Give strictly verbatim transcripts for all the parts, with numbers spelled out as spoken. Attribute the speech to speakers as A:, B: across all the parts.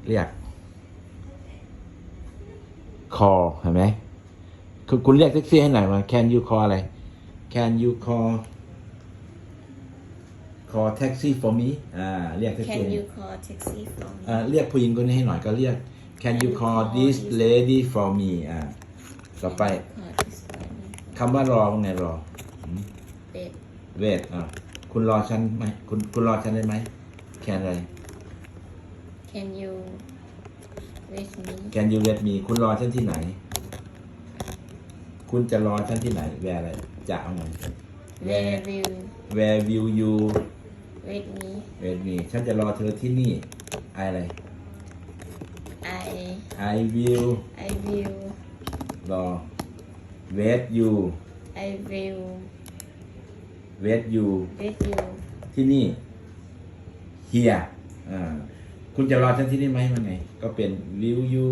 A: เรียก call เห็นไหมคุณคุณเรียกแท็กซี่ให้หน่อยมา can you call อะไร can you call call taxi for me อ่าเรียกแท็กซี่
B: Can you call taxi for me
A: อ่าเรียกผู้หญิงคนนี้ให้หน่อยก็เรียก can you call this lady for me อ่าต่อไป
B: Call this lady
A: คำว่ารอตรงไหนรอ
B: wait
A: เวทอ่าคุณรอฉันไหมคุณคุณรอฉันได้ไหม can อะไร
B: Can you wait me
A: can you wait me คุณรอฉันที่ไหน คุณจะรอฉันที่ไหน where อะไรจะเอาไง
B: Where will
A: where will you
B: wait me
A: wait me ฉันจะรอเธอที่นี่ I อะไร
B: I
A: I will
B: I will
A: รอ wait you
B: I will
A: wait you
B: wait you
A: ที่นี่ here อ่าคุณจะรอฉันที่นี่ไหมมันไง ก็เป็น will you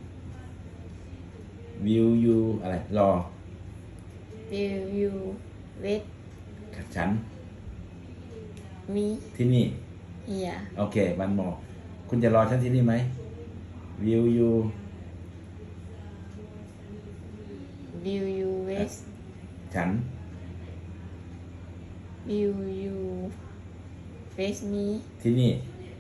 A: will you อะไร รอ
B: Will you wait
A: ฉัน
B: me
A: ที่นี่
B: here
A: โอเควันมอคุณจะรอฉันที่นี่ไหม will you
B: Will you wait
A: ฉัน
B: Will you wait me
A: ที่นี่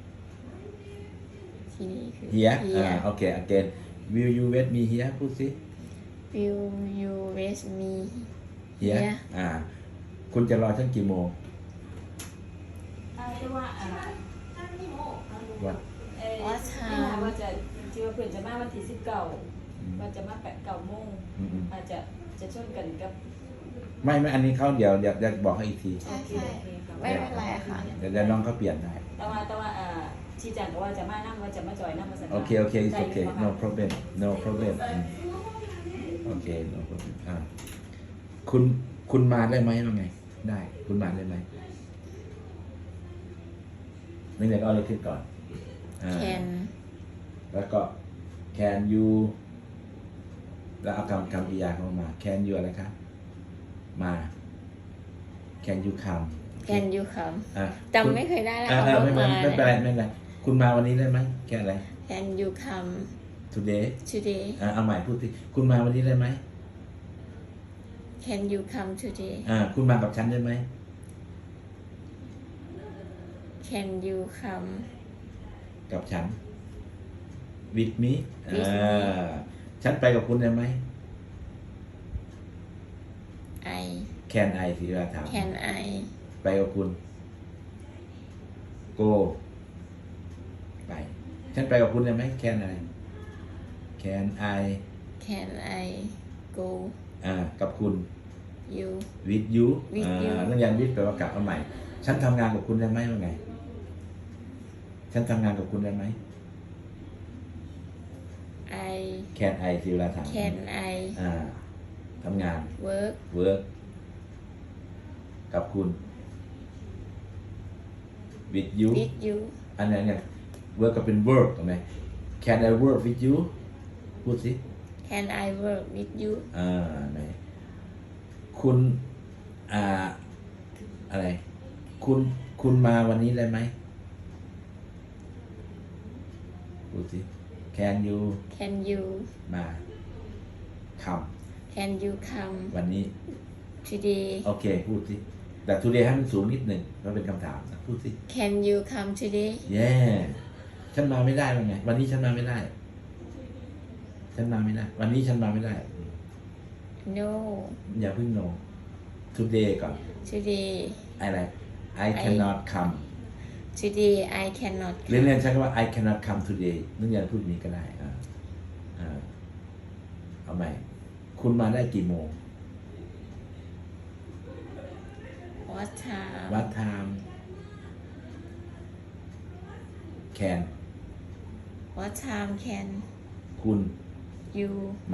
B: ที่นี่คือ
A: here อ่า
B: here
A: โอเค again will you wait me here พูดสิ
B: Will you wait me
A: here
B: here
A: อ่า คุณจะรอฉันกี่โมง
C: เรียกว่าอะไร
A: วัน
C: เอ่อไม่ถามว่าจะที่ว่าเพื่อนจะมาวันที่สิบเก้าว่าจะมาแปดเก้าโมง
A: อืม
C: อาจจะจะชนกันกับ
A: ๆไม่ไม่อันนี้เขาเดี๋ยวเดี๋ยวจะบอกให้อีกที
B: ใช่
C: โอเค
B: ใช่
C: โอเคครับ
B: ไม่เป็นไรค่ะ
A: เดี๋ยวเดี๋ยวน้องเขาเปลี่ยนได้
C: แต่ว่าแต่ว่าอ่าชี้แจงก็ว่าจะมานั่งว่าจะมาจอยนั่งมาสัญญา
A: โอเคโอเค it's okay no problem no problem อืมโอเค no problem อ่าคุณคุณมาได้ไหมว่าไง ได้ คุณมาได้ไหมนี่เดี๋ยวก็เอาเลยขึ้นก่อนอ่า
B: Can
A: แล้วก็ can you แล้วเอาคำคำกริยาเข้ามา can you อะไรครับมา can you come
B: Can you come
A: อ่ะ
B: จำไม่เคยได้แล้ว
A: อ่า
B: ค่ะ
A: อ่า
B: ว่า
A: ไม่
B: มา
A: ไม่ไม่เป็นไรไม่เป็นไรคุณมาวันนี้ได้ไหมแค่อะไร
B: Can you come
A: today
B: today
A: อ่าเอาใหม่พูดสิคุณมาวันนี้ได้ไหม
B: Can you come today
A: อ่าคุณมากับฉันได้ไหม
B: Can you come
A: กับฉัน with me
B: with
A: อ่า
B: me
A: ฉันไปกับคุณได้ไหม
B: I
A: can I สิเวลาถาม
B: Can I
A: ไปกับคุณ go ไป ฉันไปกับคุณได้ไหม can I can I
B: Can I go
A: อ่ากับคุณ
B: you
A: with you
B: with
A: อ่า
B: you
A: นักเรียน with แปลว่ากับเอาใหม่ ฉันทำงานกับคุณได้ไหมว่าไง ฉันทำงานกับคุณได้ไหม
B: I
A: can I สิเวลาถาม
B: Can I
A: อ่าทำงาน
B: work
A: work กับคุณ with you
B: with you
A: อันนั้นเนี่ย work ก็เป็น work ถูกไหม can I work with you พูดสิ
B: Can I work with you
A: อ่าไหนคุณอ่าอะไร คุณคุณมาวันนี้ได้ไหมพูดสิ can you
B: Can you
A: มาค
B: Can you come
A: ำวันนี้
B: today
A: โอเค พูดสิ แต่ today ให้มันสูงนิดหนึ่งก็เป็นคำถามนะพูดสิ
B: Can you come today
A: เย่ฉันมาไม่ได้วันไง วันนี้ฉันมาไม่ได้ ฉันมาไม่ได้ วันนี้ฉันมาไม่ได้
B: No
A: อย่าเพิ่ง no today ก่อน
B: today
A: อะไร I cannot come
B: today I cannot
A: เรียน
B: come
A: เรียนใช้คำว่า I cannot come today นักเรียนพูดนี้ก็ได้อ่าอ่าเอาใหม่ คุณมาได้กี่โมง
B: What time
A: What time can
B: What time can
A: คุณ
B: you
A: มา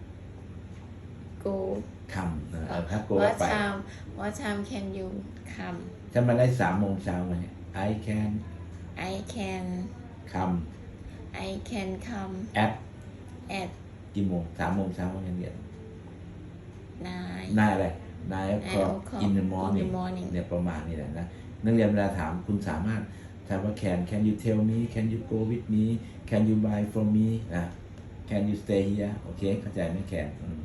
B: go
A: คำนะเอาถ้าโก
B: What
A: ไป
B: time What time can you come
A: ฉันมาได้สามโมงเช้าไหม I can
B: I can
A: come
B: I can come
A: at
B: at
A: กี่โมงสามโมงเช้าวันนี้เรียน
B: nine
A: นายอะไร nine o'clock
B: o'clock
A: in the
B: in
A: morning
B: the morning
A: เนี่ยประมาณนี้แหละนะนักเรียนเวลาถามคุณสามารถถามว่า can can you tell me can you go with me can you buy from me อ่ะ can you stay here โอเคเข้าใจไหม can อืม